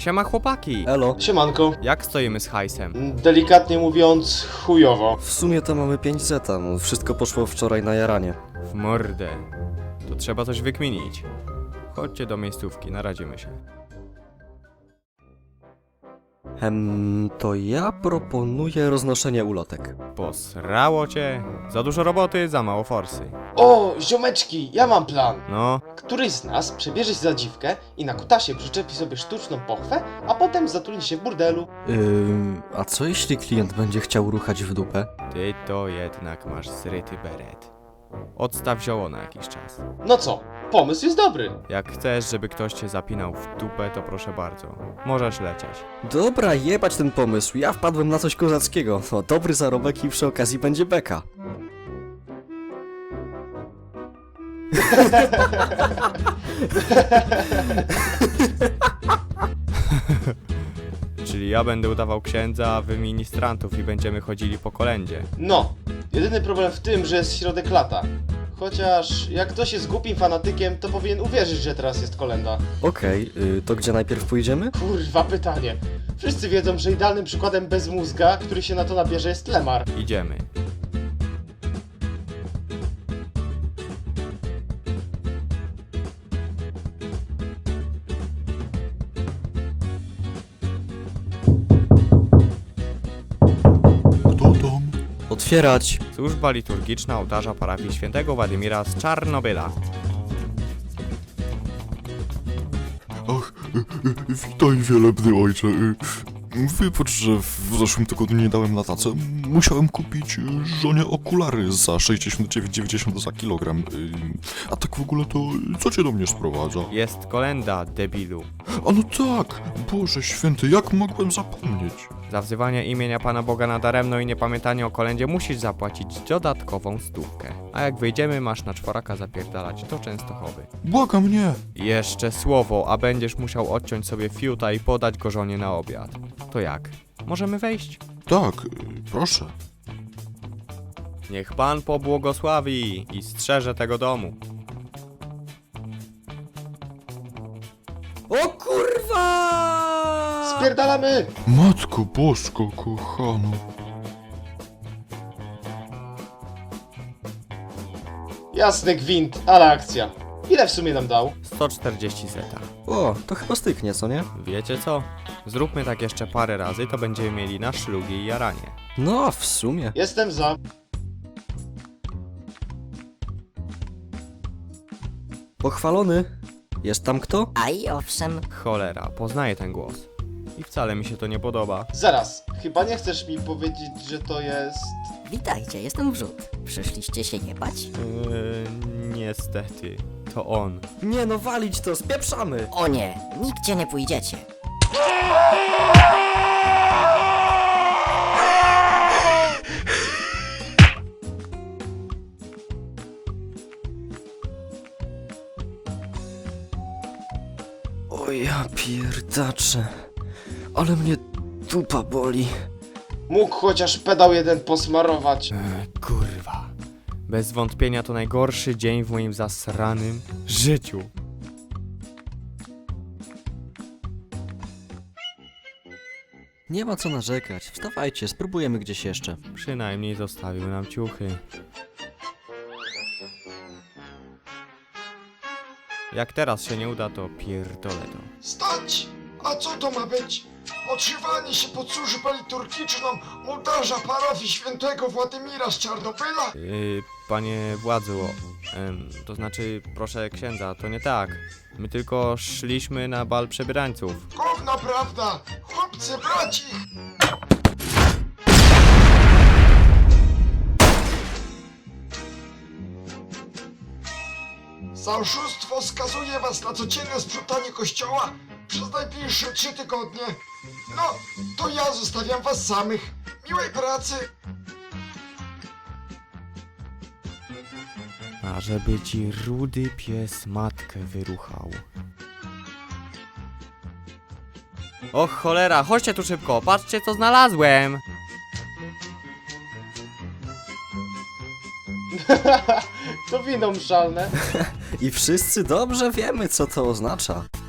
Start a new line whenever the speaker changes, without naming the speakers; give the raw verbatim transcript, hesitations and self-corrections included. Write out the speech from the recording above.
Siema chłopaki!
Elo.
Siemanko.
Jak stoimy z hajsem?
Delikatnie mówiąc, chujowo.
W sumie to mamy pięć zeta, no, wszystko poszło wczoraj na jaranie.
W mordę. To trzeba coś wykminić. Chodźcie do miejscówki, naradzimy się.
Hem, to ja proponuję roznoszenie ulotek.
Posrało cię? Za dużo roboty, za mało forsy.
O, ziomeczki, ja mam plan.
No,
Któryś z nas przebierze się za dziwkę i na kutasie przyczepi sobie sztuczną pochwę, a potem zatrudni się w burdelu.
Yy, a co jeśli klient będzie chciał ruchać w dupę?
ty to jednak masz zryty beret. Odstaw zioło na jakiś czas.
No co, pomysł jest dobry.
Jak chcesz, żeby ktoś cię zapinał w dupę, to proszę bardzo. Możesz lecieć.
Dobra, jebać ten pomysł, ja wpadłem na coś kozackiego. No, dobry zarobek i przy okazji będzie beka.
Czyli ja będę udawał księdza, a wy ministrantów i będziemy chodzili po kolędzie.
No, jedyny problem w tym, że jest środek lata. Chociaż jak ktoś jest głupim fanatykiem, to powinien uwierzyć, że teraz jest kolenda.
Okej, yy, to gdzie najpierw pójdziemy?
Kurwa pytanie. Wszyscy wiedzą, że idealnym przykładem bez mózga, który się na to nabierze, jest Lemar.
Idziemy.
Kto tam?
Otwierać!
Służba liturgiczna ołtarza parafii świętego Władimira z Czarnobyla.
Ach, y, y, witaj wielebny ojcze. Y, Wybacz, że w zeszłym tygodniu nie dałem na tacę. Musiałem kupić y, żonie okulary za sześćdziesiąt dziewięć dziewięćdziesiąt za kilogram. Y, A tak w ogóle to y, co cię do mnie sprowadza?
Jest kolenda, debilu.
A no tak! Boże święty, jak mogłem zapomnieć?
Za wzywanie imienia Pana Boga nadaremno i niepamiętanie o kolędzie musisz zapłacić dodatkową stówkę. A jak wyjdziemy, masz na czworaka zapierdalać do Częstochowy.
Błagam mnie!
Jeszcze słowo, a będziesz musiał odciąć sobie fiuta i podać go żonie na obiad. To jak? Możemy wejść?
Tak, y, proszę.
Niech Pan pobłogosławi i strzeże tego domu.
O kurwa!
Spierdalamy!
Matko Bosko, kochano.
Jasny gwint, ale akcja. Ile w sumie nam dał?
sto czterdzieści zeta.
O, to chyba styknie, co nie?
Wiecie co? Zróbmy tak jeszcze parę razy, to będziemy mieli na szlugi i jaranie.
No, w sumie.
Jestem za.
Pochwalony. Jest tam kto?
A i owszem,
Cholera, poznaję ten głos. I wcale mi się to nie podoba.
Zaraz, chyba nie chcesz mi powiedzieć, że to jest...
witajcie, jestem Wrzód. Przyszliście się nie bać?
Yy, niestety, to on.
Nie no, walić to, spieprzamy!
O nie, nigdzie nie pójdziecie.
O ja pierdacze. Ale mnie dupa boli.
Mógł chociaż pedał jeden posmarować.
Eee, kurwa. Bez wątpienia to najgorszy dzień w moim zasranym życiu.
Nie ma co narzekać. Wstawajcie, spróbujemy gdzieś jeszcze.
Przynajmniej zostawił nam ciuchy. Jak teraz się nie uda, to pierdolę to.
Stać! A co to ma być? Odszywanie się pod służbę liturgiczną ołtarza parafii świętego Władimira z Czarnobyla?
Yy, panie władzu, em, to znaczy, proszę księdza, to nie tak. My tylko szliśmy na bal przebierańców.
Gówno prawda! Chłopcy braci! Za oszustwo skazuję was na codzienne sprzątanie kościoła przez najbliższe trzy tygodnie. No, to ja zostawiam was samych. Miłej pracy!
A żeby ci rudy pies matkę wyruchał. Och cholera, chodźcie tu szybko, patrzcie co znalazłem!
To wino mszalne.
I wszyscy dobrze wiemy, co to oznacza.